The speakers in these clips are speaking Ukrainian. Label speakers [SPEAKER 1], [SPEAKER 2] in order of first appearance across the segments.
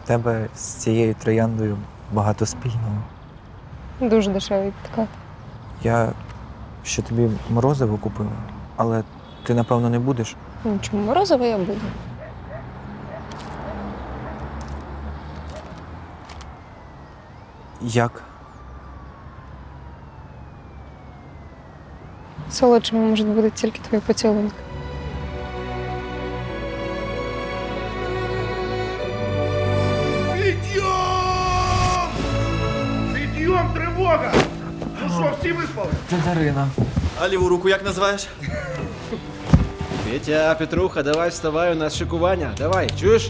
[SPEAKER 1] тебе з цією трояндою багато спільного.
[SPEAKER 2] Дуже дешевий підкат.
[SPEAKER 1] Я ще тобі морозиво купив, але ти, напевно, не будеш.
[SPEAKER 2] Ну, чому морозиво я буду?
[SPEAKER 1] Як?
[SPEAKER 2] Солодшими можуть бути тільки твої поцілунки.
[SPEAKER 3] Підйом! Підйом, тривога! Ну що, всі виспали?
[SPEAKER 1] Це Дарина.
[SPEAKER 4] А ліву руку як називаєш? Петя, Петруха, давай вставай, у нас шикування. Давай, чуєш?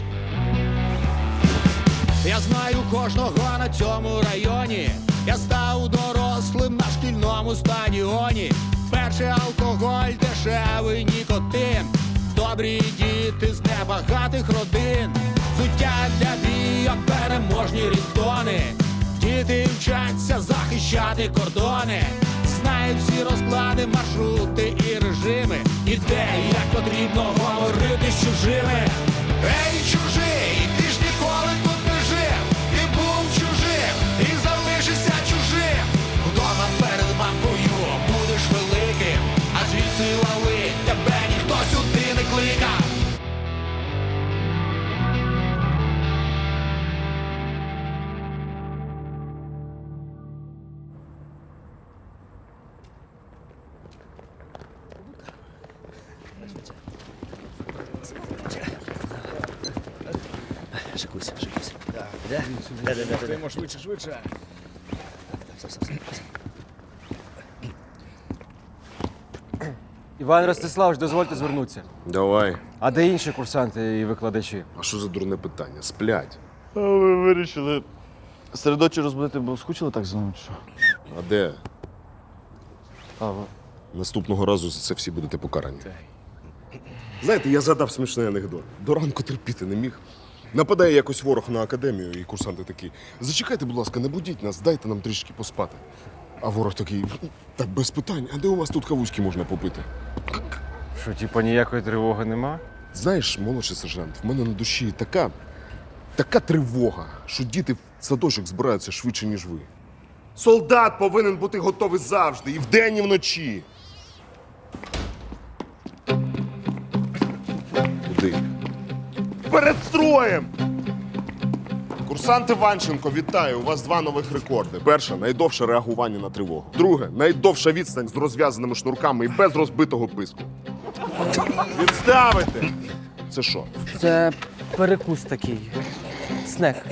[SPEAKER 5] Я знаю кожного на цьому районі. Я став дорослим на шкільному стадіоні. Перший алкоголь, дешевий нікотин. Добрі діти з небагатих родин. Взуття для бійок, переможні рідтони. Діти вчаться захищати кордони. Знають всі розклади, маршрути і режими. І де, і як потрібно говорити з чужими. Ей, чужий, ти ж ніколи тут не жив. Ти був чужим і залишишся чужим. Вдома перед мамкою будеш великим, а звідси лали тебе ніхто сюди не кликав.
[SPEAKER 4] Шикуйся.
[SPEAKER 5] Швидше.
[SPEAKER 6] Іван Ростиславович, дозвольте звернутися.
[SPEAKER 7] Давай.
[SPEAKER 6] А де інші курсанти і викладачі?
[SPEAKER 7] А що за дурне питання? Сплять.
[SPEAKER 8] А ви вирішили серед ночі розбудити, бо скучили так за нами, чи що?
[SPEAKER 7] А де?
[SPEAKER 8] А, ви...
[SPEAKER 7] Наступного разу за це всі будете покарані. Знаєте, я згадав смішний анекдот. До ранку терпіти не міг. Нападає якось ворог на академію, і курсанти такі: зачекайте, будь ласка, не будіть нас, дайте нам трішки поспати. А ворог такий: так без питань, а де у вас тут кавузьки можна попити?
[SPEAKER 6] Що, типа, ніякої тривоги нема?
[SPEAKER 7] Знаєш, молодший сержант, в мене на душі така тривога, що діти в садочок збираються швидше, ніж ви. Солдат повинен бути готовий завжди, і вдень, і вночі. Куди? Перед строєм! Курсант Іванченко, вітаю! У вас 2 нових рекорди. Перше – найдовше реагування на тривогу. Друге – найдовша відстань з розв'язаними шнурками і без розбитого писку. Відставити! Це що?
[SPEAKER 1] Це перекус такий. Снек.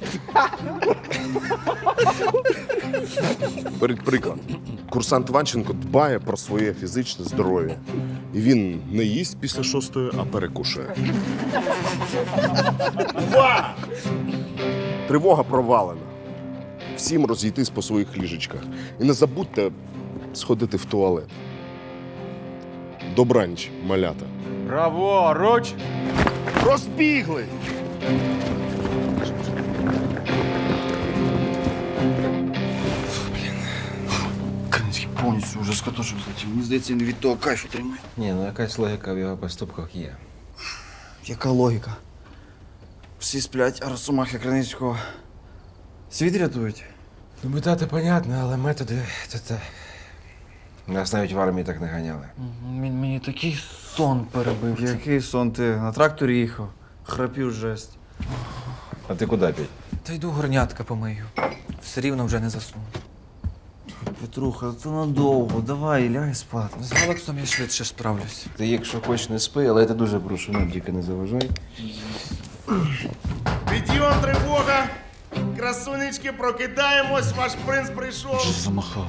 [SPEAKER 7] Беріть приклад. Курсант Іванченко дбає про своє фізичне здоров'я. І він не їсть після 6-ї, а перекушує. Увага! Тривога провалена. Всім розійтись по своїх ліжечках. І не забудьте сходити в туалет. Добраніч, малята.
[SPEAKER 6] Праворуч!
[SPEAKER 7] Розбігли!
[SPEAKER 8] Кам'янський повністю вже з катушок злетів. Мені здається, він від того кайфу тримає.
[SPEAKER 6] Ні, ну якась логіка в його поступках є.
[SPEAKER 8] Яка логіка? Всі сплять, а Росомахи Криницького світ рятують.
[SPEAKER 6] Ну, метати понятно, але методи то. Нас навіть в армії так не ганяли.
[SPEAKER 1] Мені такий сон перебив.
[SPEAKER 8] Який сон ти? На тракторі їхав. Храпів жесть.
[SPEAKER 6] А ти куди піть?
[SPEAKER 1] Та йду горнятка помию. Все рівно вже не засну.
[SPEAKER 8] Петруха, це надовго. Давай, лягай спати.
[SPEAKER 1] З Галаксом я швидше справлюсь.
[SPEAKER 6] Ти, якщо хочеш, не спи, але я тебе дуже прошу, нам тільки не заважай.
[SPEAKER 3] Підйом, тривога! Красунечки, прокидаємось, ваш принц прийшов.
[SPEAKER 8] Що замахав?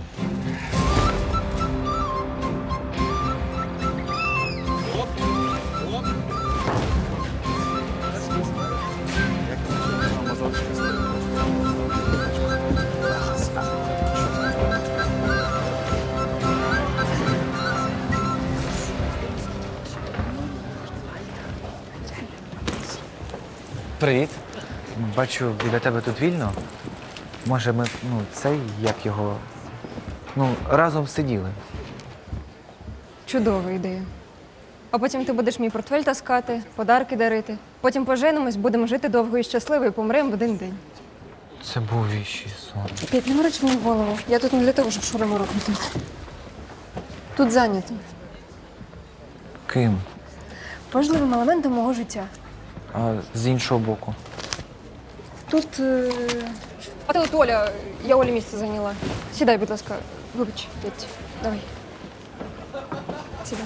[SPEAKER 1] Привіт. Бачу, біля тебе тут вільно. Може, ми, як його. Разом сиділи.
[SPEAKER 2] Чудова ідея. А потім ти будеш мій портфель таскати, подарки дарити. Потім поженимось, будемо жити довго і щасливо і помремо в один день.
[SPEAKER 1] Це був віщий сон.
[SPEAKER 2] П'ять, не мороч мені голову. Я тут не для того, щоб шурами рухнути. Тут зайнято.
[SPEAKER 1] Ким?
[SPEAKER 2] Важливим елементом мого життя.
[SPEAKER 1] А з іншого боку.
[SPEAKER 2] Тут. А ти от Оля, я Олі місце зайняла. Сідай, будь ласка. Вибач, Петь. Давай. Сідай.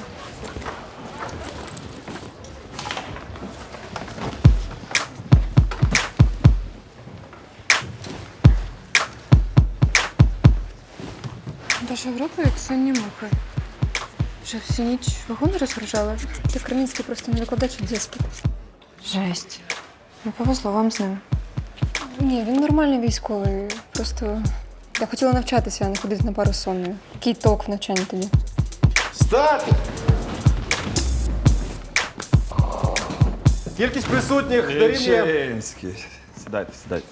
[SPEAKER 9] Ваша група як сонні мухи. Вже всю ніч вагони розгружали.
[SPEAKER 2] Ти Кремінський просто не викладач дітський.
[SPEAKER 9] Жесть. Не повезло вам з ним.
[SPEAKER 2] Ні, він нормальний військовий. Просто я хотіла навчатися, а не ходити на пару з сонною. Який толк в навчанні тоді?
[SPEAKER 3] Стати! Кількість присутніх дорівнює...
[SPEAKER 10] Ільчинський. Сідайте, сідайте.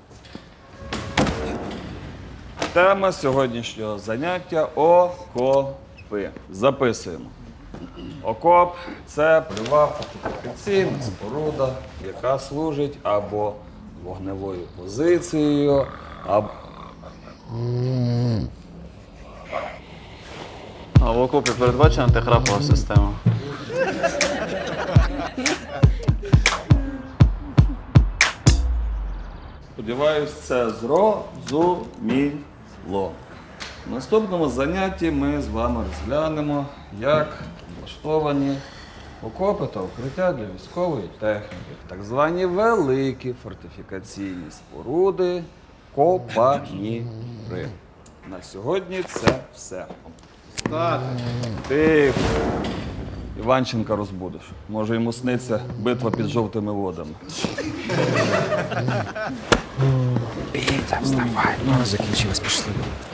[SPEAKER 10] Тема сьогоднішнього заняття – окопи. Записуємо. Окоп – це польова фортифікаційна споруда, яка служить або вогневою позицією, або...
[SPEAKER 11] А в окопі передбачена антихрапова система.
[SPEAKER 10] Сподіваюсь, це зрозуміло. В наступному занятті ми з вами розглянемо, як влаштовані окопи та укриття для військової техніки. Так звані великі фортифікаційні споруди – копаніри. На сьогодні це все. Тихо. Іванченка розбудиш. Може, йому сниться битва під жовтими водами.
[SPEAKER 1] Петя, вставай. Ну, закінчилось, пішли.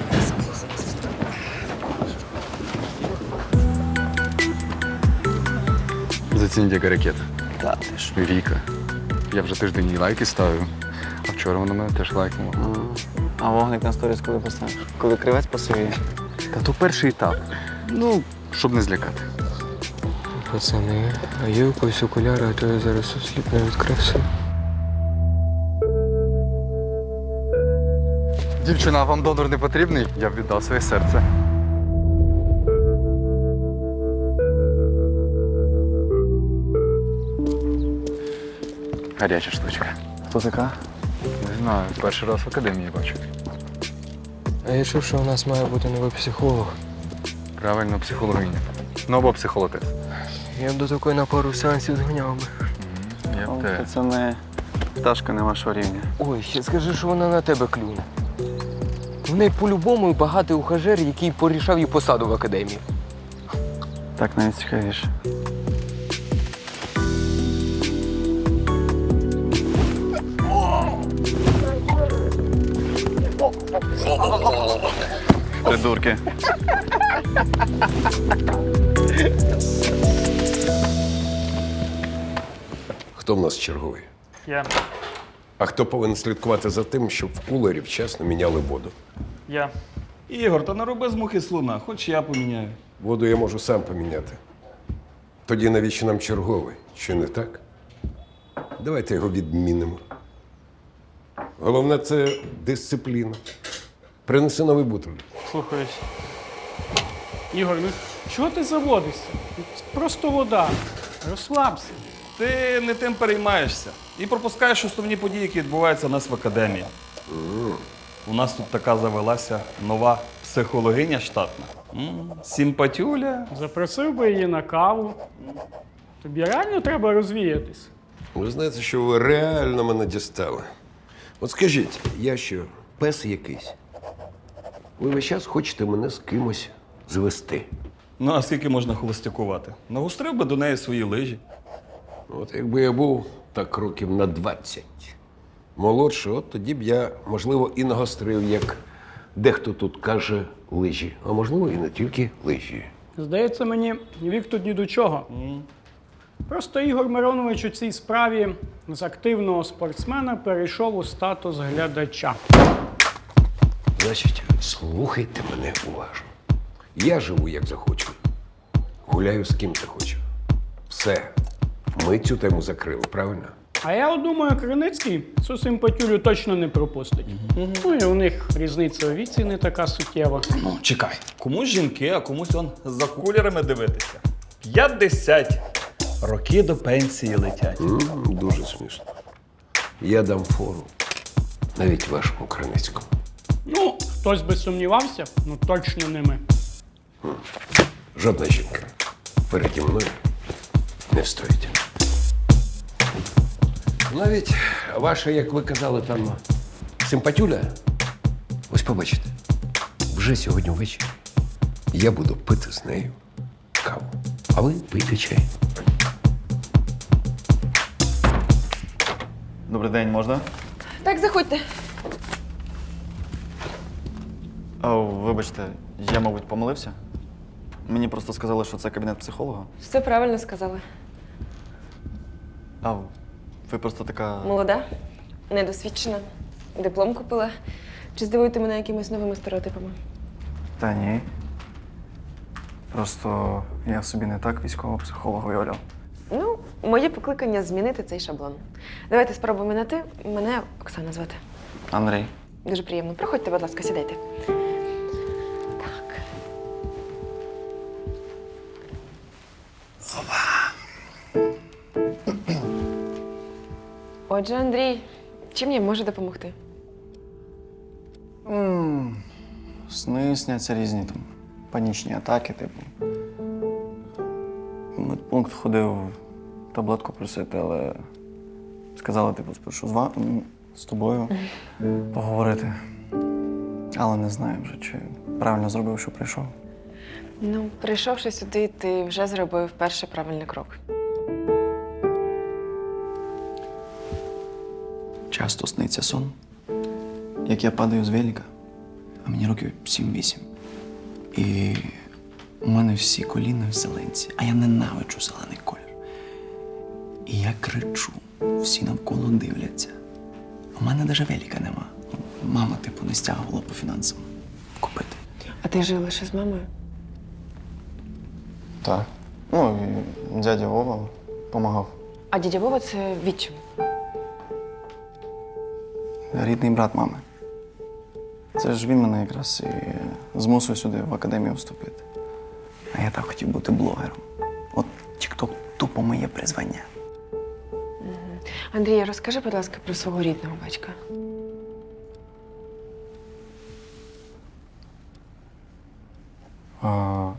[SPEAKER 12] Зацініть, яка ракета. Віка. Я вже тиждень їй лайки ставив, а вчора вона мене теж лайкнула.
[SPEAKER 11] А вогник на сторіс коли поставиш? Коли кривець посивіє?
[SPEAKER 12] Та то перший етап. Ну, щоб не злякати.
[SPEAKER 13] Пацани, а є у когось окуляри, а то я зараз осліпну від краси.
[SPEAKER 12] Дівчина, вам донор не потрібний? Я б віддав своє серце. Гаряча штучка.
[SPEAKER 11] Хто така?
[SPEAKER 12] Не знаю, перший раз в академії бачу.
[SPEAKER 13] А я чув, що у нас має бути новий психолог.
[SPEAKER 12] Правильно, психологиня. Ну або психолотець.
[SPEAKER 13] Я б до такої на пару сеансів зганяв би.
[SPEAKER 12] Я б те.
[SPEAKER 11] Це не пташка не вашого рівня.
[SPEAKER 13] Ой, ще скажи, що вона на тебе клюне. В неї по-любому багатий ухажер, який порішав їй посаду в академії.
[SPEAKER 11] Так навіть цікавіше. Придурки.
[SPEAKER 7] Хто в нас черговий?
[SPEAKER 14] Я.
[SPEAKER 7] А хто повинен слідкувати за тим, щоб в кулері вчасно міняли воду?
[SPEAKER 14] Я.
[SPEAKER 10] Ігор, та не роби з мухи слона, хоч я поміняю.
[SPEAKER 7] Воду я можу сам поміняти. Тоді навіщо нам черговий? Чи не так? Давайте його відмінимо. Головне це дисципліна. Принеси новий бутиль.
[SPEAKER 14] Слухаюсь. Ігор, ну чого ти заводишся? Це просто вода. Розслабся.
[SPEAKER 10] Ти не тим переймаєшся і пропускаєш основні події, які відбуваються у нас в академії. У нас тут така завелася нова психологиня штатна. Симпатюля.
[SPEAKER 14] Запросив би її на каву. Тобі реально треба розвіятись.
[SPEAKER 7] Ви знаєте, що ви реально мене дістали. От скажіть, я що, пес якийсь? Ви весь час хочете мене з кимось звести.
[SPEAKER 10] Ну, а скільки можна холостякувати? Нагустрив би до неї свої лижі.
[SPEAKER 7] От якби я був так років на 20 молодший, от тоді б я, можливо, і нагострив, як дехто тут каже, лижі. А можливо, і не тільки лижі.
[SPEAKER 14] Здається мені, вік тут ні до чого. Просто Ігор Миронович у цій справі з активного спортсмена перейшов у статус глядача.
[SPEAKER 7] Значить, слухайте мене уважно. Я живу, як захочу. Гуляю з ким захочу.
[SPEAKER 15] Все. Ми цю тему закрили, правильно?
[SPEAKER 14] А я от думаю, Криницький цю симпатюлю точно не пропустить. Ну і у них різниця у віці не така суттєва.
[SPEAKER 10] Ну, чекай. Комусь жінки, а комусь он за кулерами дивитися. 50 роки до пенсії летять.
[SPEAKER 15] Дуже смішно. Я дам фору. Навіть вашому Криницькому.
[SPEAKER 14] Ну, хтось би сумнівався, ну точно не ми.
[SPEAKER 15] Жодна жінка переді мною не встоїть. Навіть ваша, як ви казали, там симпатюля. Ось побачите, вже сьогодні ввечері я буду пити з нею каву. А ви пийте чай.
[SPEAKER 11] Добрий день, можна?
[SPEAKER 2] Так, заходьте.
[SPEAKER 11] О, вибачте, я, мабуть, помилився. Мені просто сказали, що це кабінет психолога.
[SPEAKER 2] Все правильно сказали.
[SPEAKER 11] А ви просто така.
[SPEAKER 2] Молода, недосвідчена, диплом купила. Чи здивуєте мене якимись новими стереотипами?
[SPEAKER 11] Та ні. Просто я собі не так військового психолога уявляв.
[SPEAKER 2] Ну, моє покликання змінити цей шаблон. Давайте спробуємо на ти. Мене Оксана звати.
[SPEAKER 11] Андрій.
[SPEAKER 2] Дуже приємно. Проходьте, будь ласка, сідайте. Так. Отже, Андрій, чим я можу допомогти?
[SPEAKER 11] Сни сняться різні там. Панічні атаки, типу. В медпункт ходив таблетку просити, але сказали, типу, спершу з тобою поговорити. Але не знаю вже, чи правильно зробив, що прийшов.
[SPEAKER 2] Ну, прийшовши сюди, ти вже зробив перший правильний крок.
[SPEAKER 11] Часто сниться сон, як я падаю з велика, а мені років 7-8. І у мене всі коліна в зеленці, а я ненавиджу зелений колір. І я кричу, всі навколо дивляться. У мене навіть велика нема. Мама, типу, не стягувала по фінансам купити.
[SPEAKER 2] А ти жив лише з мамою?
[SPEAKER 11] Так. Ну, і дядя Вова допомагав.
[SPEAKER 2] А дядя Вова – це відчим.
[SPEAKER 11] Рідний брат мами. Це ж він мене якраз і змусив сюди в академію вступити. А я так хотів бути блогером. От TikTok тупо моє призвання.
[SPEAKER 2] Андрій, розкажи, будь ласка, про свого рідного батька.
[SPEAKER 11] А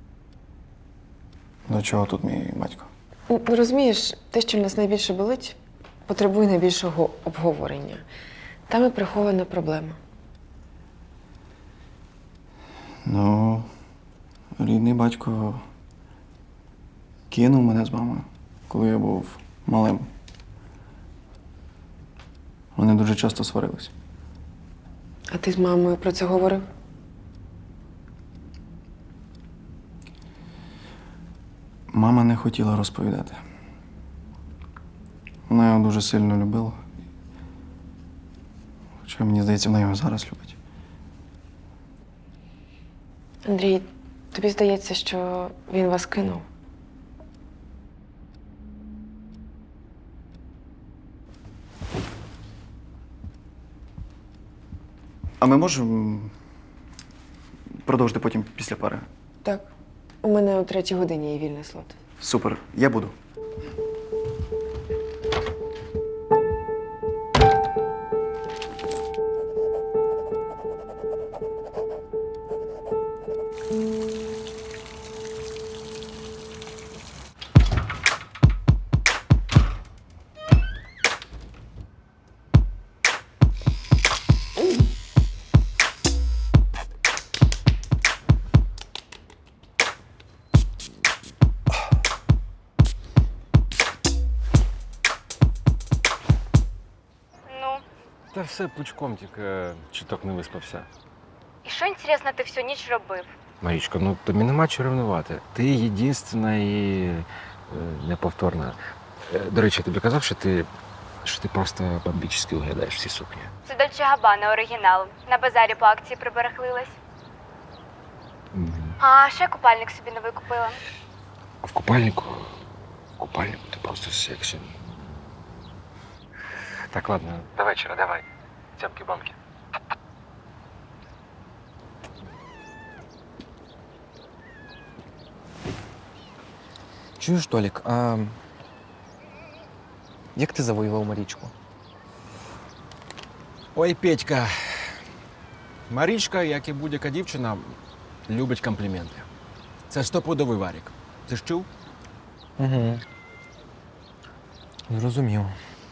[SPEAKER 11] до чого тут мій батько?
[SPEAKER 2] Ну, розумієш, те, що в нас найбільше болить, потребує найбільшого обговорення. Там і прихована проблема.
[SPEAKER 11] Ну, рідний батько кинув мене з мамою, коли я був малим. Вони дуже часто сварились.
[SPEAKER 2] А ти з мамою про це говорив?
[SPEAKER 11] Мама не хотіла розповідати. Вона його дуже сильно любила. Хоча, мені здається, вона його зараз любить.
[SPEAKER 2] Андрій, тобі здається, що він вас кинув?
[SPEAKER 11] А ми можемо продовжити потім після пари?
[SPEAKER 2] Так. У мене о 3-й годині є вільний слот.
[SPEAKER 11] Супер, я буду.
[SPEAKER 6] Та все пучком, тільки чуток не виспався.
[SPEAKER 16] І що, інтересно, ти всю ніч робив?
[SPEAKER 6] Марічко, ну тобі нема чого ревнувати. Ти єдинственна і неповторна. До речі, я тобі казав, що ти просто бомбічно виглядаєш всі сукні.
[SPEAKER 16] Це Дольче Габбана оригінал. На базарі по акції приберехлилась. А ще купальник собі новий купила.
[SPEAKER 6] А в купальнику купальнику ти просто сексі. Так, ладно, до вечора, давай. Цямки-бамки.
[SPEAKER 13] Чуєш, Толік, а як ти завоював Марічку?
[SPEAKER 6] Ой, Петька. Марічка, як і будь-яка дівчина, любить компліменти. Це стопудовий варік. Ти ж чув?
[SPEAKER 13] Угу. Зрозумів.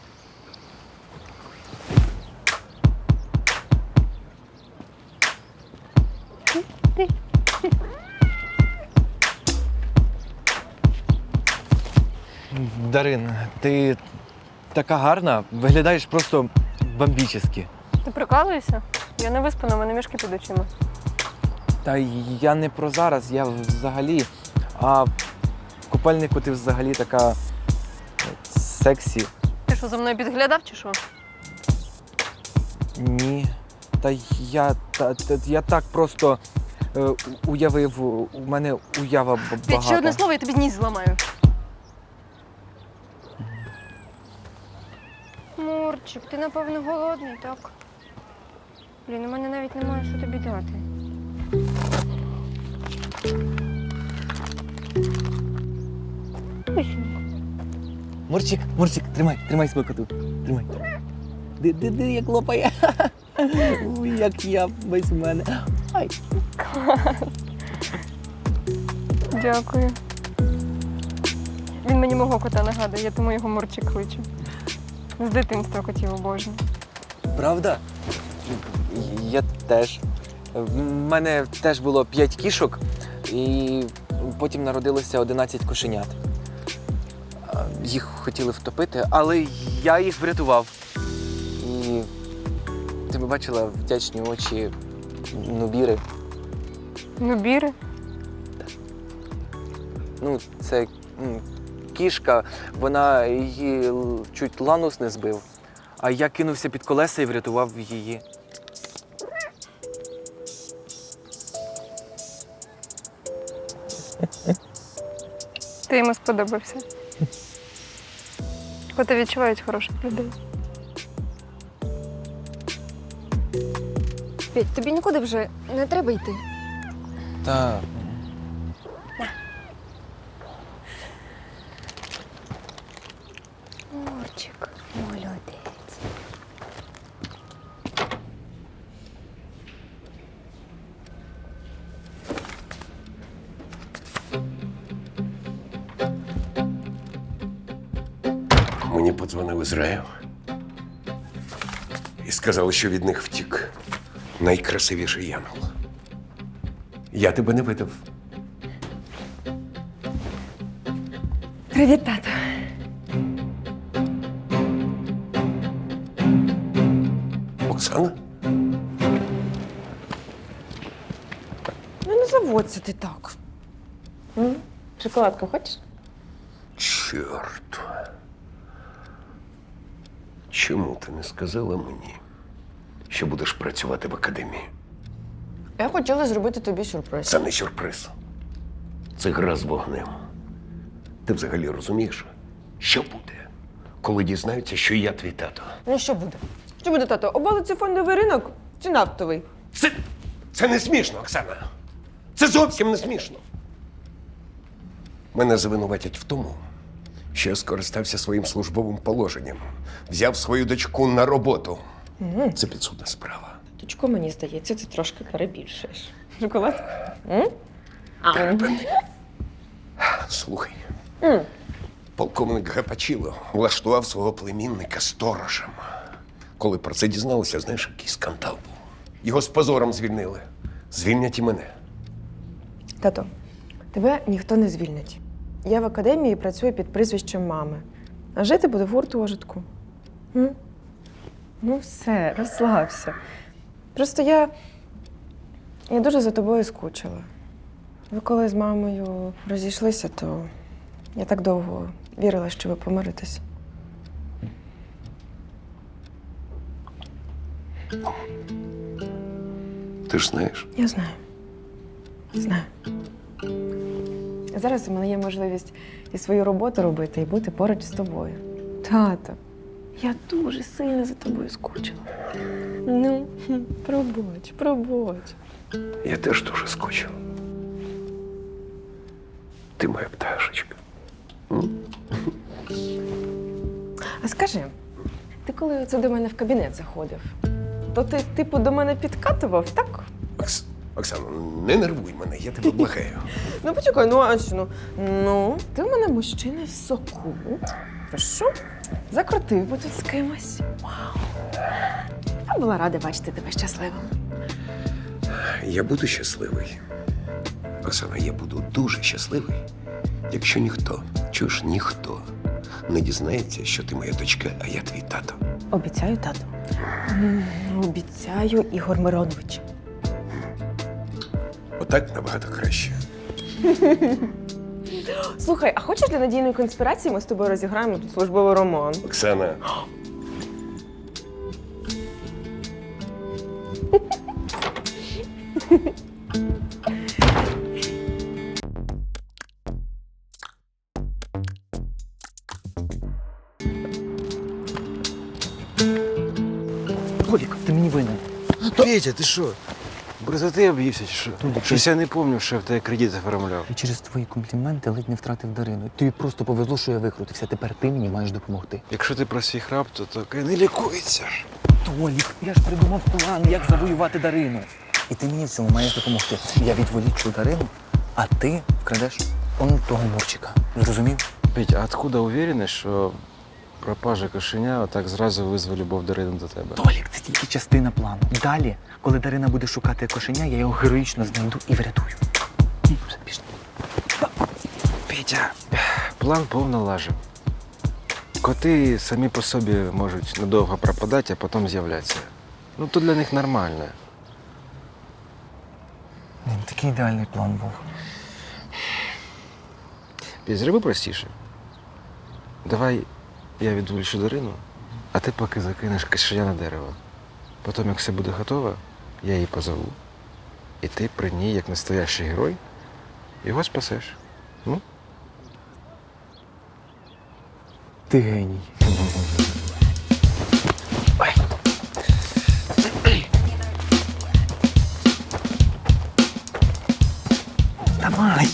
[SPEAKER 13] Дарин, ти така гарна, виглядаєш просто бомбічно.
[SPEAKER 2] Ти прикалуєшся? Я не виспана, в мене мішки під очима.
[SPEAKER 13] Та я не про зараз, я взагалі. А в купальнику ти взагалі така сексі.
[SPEAKER 2] Ти що, за мною підглядав чи що?
[SPEAKER 13] Ні. Та я так просто уявив, у мене уява
[SPEAKER 2] П'ять,
[SPEAKER 13] багата.
[SPEAKER 2] ще одне слово, я тобі ніс зламаю. Мурчик, ти напевно голодний, так? Блін, у мене навіть немає, що тобі дати.
[SPEAKER 13] Мурчик, тримай смакоту. Тримай. Ди, як лопає. Ой, як я без мене. Ай.
[SPEAKER 2] Клас. Дякую. Він мені мого кота нагадує, я тому його Мурчик кличу. З дитинства котів обожнюю.
[SPEAKER 13] Правда? Я теж. В мене теж було 5 кішок, і потім народилося 11 кошенят. Їх хотіли втопити, але я їх врятував. І ти б бачила вдячні очі Нубіри.
[SPEAKER 2] Нубіри?
[SPEAKER 13] Ну, це кішка, вона її чуть ланус не збив, а я кинувся під колеса і врятував її.
[SPEAKER 2] Ти йому сподобався. Коти відчувають хороших людей. Петь, тобі нікуди вже не треба йти.
[SPEAKER 13] Та
[SPEAKER 2] Мурчик, молодець.
[SPEAKER 15] Мені подзвонили з раю і сказали, що від них втік найкрасивіший янгол. Я тебе не видав.
[SPEAKER 2] Привіт, тато.
[SPEAKER 15] Оксана?
[SPEAKER 17] Ну не заводься ти так. Шоколадку хочеш?
[SPEAKER 15] Чорт. Чому ти не сказала мені, що будеш працювати в академії?
[SPEAKER 17] Я хотіла зробити тобі сюрприз.
[SPEAKER 15] Це не сюрприз. Це гра з вогнем. Ти взагалі розумієш, що буде, коли дізнаються, що я твій тато?
[SPEAKER 17] Ну що буде? Що буде, тато? Обвалиться фондовий ринок чи нафтовий?
[SPEAKER 15] Це не смішно, Оксана. Це зовсім не смішно. Мене звинуватять в тому, що я скористався своїм службовим положенням, взяв свою дочку на роботу. Це підсудна справа.
[SPEAKER 17] Точко, мені здається, ти трошки перебільшуєш. Шоколадку?
[SPEAKER 15] Припини. Слухай. Полковник Гапачіло влаштував свого племінника сторожем. Коли про це дізналися, знаєш, який скандал був. Його з позором звільнили. Звільнять і мене.
[SPEAKER 17] Тато, тебе ніхто не звільнить. Я в академії працюю під прізвищем мами. А жити буду в гуртожитку. Ну все, розслабся. Просто я дуже за тобою скучила. Ви коли з мамою розійшлися, то я так довго вірила, що ви помиритесь.
[SPEAKER 15] Ти ж знаєш.
[SPEAKER 17] Я знаю. Знаю. А зараз у мене є можливість і свою роботу робити, і бути поруч з тобою. Тато, я дуже сильно за тобою скучила. Ну, пробач.
[SPEAKER 15] Я теж дуже скучив. Ти моя пташечка.
[SPEAKER 17] А скажи, ти коли оце до мене в кабінет заходив, то ти, типу, до мене підкатував, так?
[SPEAKER 15] Оксано, не нервуй мене, я тебе благаю.
[SPEAKER 17] Ну, почекай, ну а що? Ну, ти в мене мужчина в соку. Прошу, закрутив би тут з кимось. Вау. Я була рада бачити тебе щасливим.
[SPEAKER 15] Я буду щасливий. Оксана, я буду дуже щасливий, якщо ніхто, чуєш, ніхто не дізнається, що ти моя дочка, а я твій тато.
[SPEAKER 17] Обіцяю, тато. Обіцяю, Ігор Миронович.
[SPEAKER 15] Отак набагато краще.
[SPEAKER 17] Слухай, а хочеш для надійної конспірації ми з тобою розіграємо тут службовий роман?
[SPEAKER 15] Оксана.
[SPEAKER 1] Толік, ти мені винен.
[SPEAKER 6] Петя, ти що? Бризоти об'ївся чи що? Щось я не пам'ятаю, що я в тебе кредит оформляв.
[SPEAKER 1] І через твої компліменти ледь не втратив Дарину. Тобі просто повезло, що я викрутився. Тепер ти мені маєш допомогти.
[SPEAKER 6] Якщо ти про свій храп, то таке не лікується.
[SPEAKER 1] Толік, я ж придумав план, як завоювати Дарину. І ти мені в цьому маєш допомогти. Я відволічу Дарину, а ти вкрадеш он того Мурчика. Зрозумів?
[SPEAKER 6] Петя, а откуда увереність, що пропажа кошеня отак зразу визве любов Дарини до тебе?
[SPEAKER 1] Толік, це тільки частина плану. Далі, коли Дарина буде шукати кошеня, я його героїчно знайду і врятую. Все, пішли.
[SPEAKER 6] Петя, план повно лажив. Коти самі по собі можуть надовго пропадати, а потім з'являтися. Ну, то для них нормально.
[SPEAKER 1] Такий ідеальний план був.
[SPEAKER 6] Петь, зроби простіше. Давай я відволічу Дарину, а ти поки закинеш кошеня на дерево. Потім, як все буде готово, я її позову. І ти при ній, як настоящий герой, його спасеш. Ну?
[SPEAKER 1] Ти геній. Давай.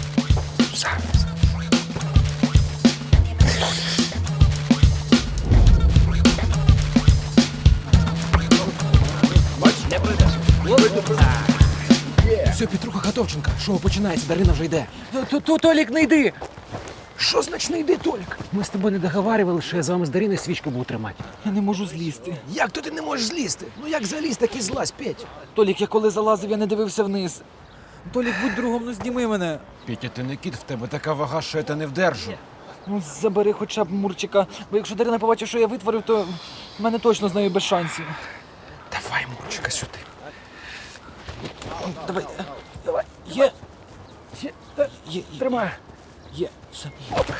[SPEAKER 13] Все, Петруха Хатовченка, шоу починається, Дарина вже йде.
[SPEAKER 1] Толік, не йди!
[SPEAKER 13] Що значить не йди, Толік? Ми з тобою не договарювали, що я з вами з Дариною свічку буду тримати.
[SPEAKER 1] Я не можу злізти.
[SPEAKER 13] Як то ти не можеш злізти? Ну як заліз, так і злазь, Петь.
[SPEAKER 1] Толік, я коли залазив, я не дивився вниз. Толік, будь другом, ну зніми мене.
[SPEAKER 6] Петя, ти не кіт, в тебе така вага, що я те не вдержу.
[SPEAKER 1] Ну, забери хоча б Мурчика, бо якщо Дарина побачить, що я витворив, то в мене точно з нею без шансів.
[SPEAKER 6] Давай, Мурчика, сюди.
[SPEAKER 1] Давай, давай, є. Є.
[SPEAKER 13] Тримай.
[SPEAKER 1] Є, все.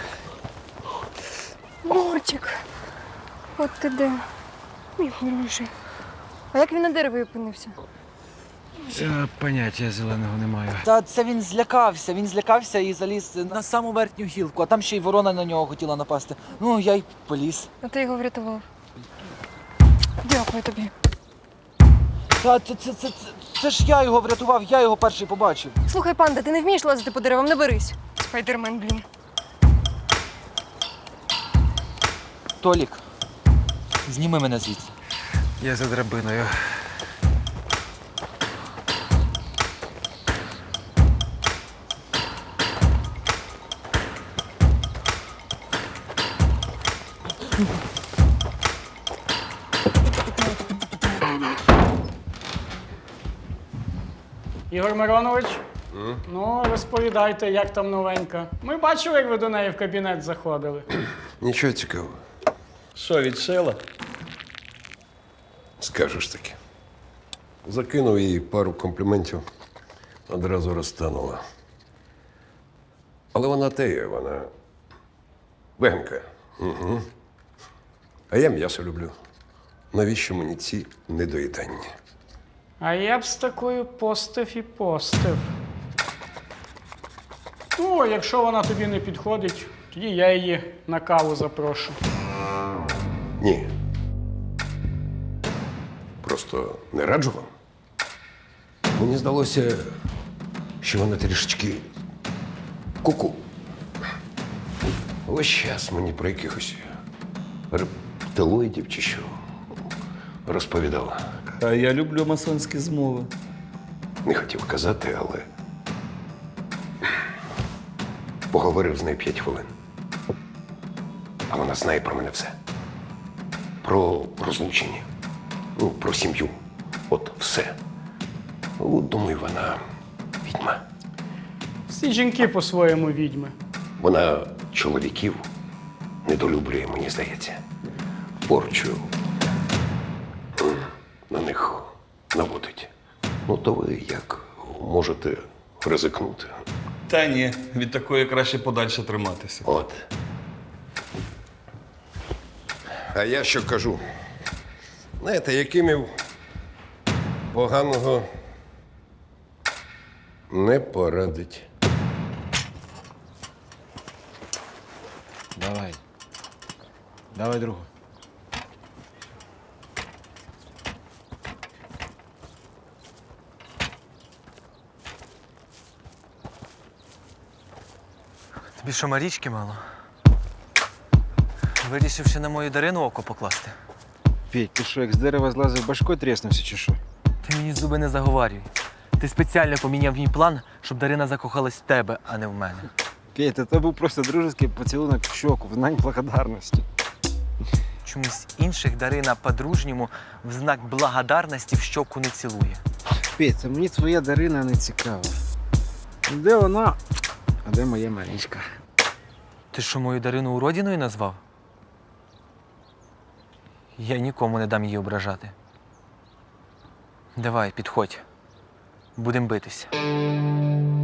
[SPEAKER 2] Мурчик, от ти де, мій хороший. А як він на дереві опинився?
[SPEAKER 6] Поняття зеленого не маю.
[SPEAKER 1] Та це він злякався і заліз на саму верхню гілку, а там ще й ворона на нього хотіла напасти. Ну, я й поліз.
[SPEAKER 2] А ти його врятував. Дякую тобі.
[SPEAKER 1] Та це ж я його врятував, я його перший побачив.
[SPEAKER 2] Слухай, панда, ти не вмієш лазити по деревам, не берись. Спайдермен, блін.
[SPEAKER 1] Толік, зніми мене звідси.
[SPEAKER 6] Я за драбиною.
[SPEAKER 14] Ігор Миронович, ну розповідайте, як там новенька. Ми бачили, як ви до неї в кабінет заходили.
[SPEAKER 15] Нічого цікавого.
[SPEAKER 3] Що, відшила?
[SPEAKER 15] Скажеш таки. Закинув їй пару компліментів, одразу розтанула. Але вона теє, вона веганка. Угу. А я м'ясо люблю. Навіщо мені ці недоїдання?
[SPEAKER 14] А я б з такою постив і постив. Ну, якщо вона тобі не підходить, тоді я її на каву запрошу.
[SPEAKER 15] Ні. Просто не раджу вам. Мені здалося, що вона трішечки куку. Ось час мені про якихось рептилоїдів чи що розповідала.
[SPEAKER 10] А я люблю масонські змови.
[SPEAKER 15] Не хотів казати, але поговорив з нею 5 хвилин. А вона знає про мене все. Про розлучення, ну, про сім'ю. От все. Ну, думаю, вона відьма.
[SPEAKER 14] Всі жінки по-своєму відьми.
[SPEAKER 15] Вона чоловіків недолюблює, мені здається. Порчу на них наводить. Ну, то ви як можете ризикнути?
[SPEAKER 10] Та ні, від такої краще подальше триматися.
[SPEAKER 15] От. А я що кажу? Знаєте, Якимів поганого не порадить.
[SPEAKER 6] Давай. Давай другу.
[SPEAKER 1] Тобі що, Марічки мало? Вирішив ще на мою Дарину око покласти.
[SPEAKER 6] Петь, ти що, як з дерева злазив, башкою тріснувся чи що?
[SPEAKER 1] Ти мені зуби не заговарюй. Ти спеціально поміняв мій план, щоб Дарина закохалась в тебе, а не в мене.
[SPEAKER 6] Петь, це був просто дружеский поцілунок в щоку, в знак благодарності.
[SPEAKER 1] Чомусь інших Дарина по-дружньому в знак благодарності в щоку не цілує.
[SPEAKER 6] Петь, це мені твоя Дарина не цікава. Де вона, а де моя Марічка?
[SPEAKER 1] Ти що, мою Дарину уродіною назвав? Я нікому не дам її ображати. Давай, підходь. Будем битися.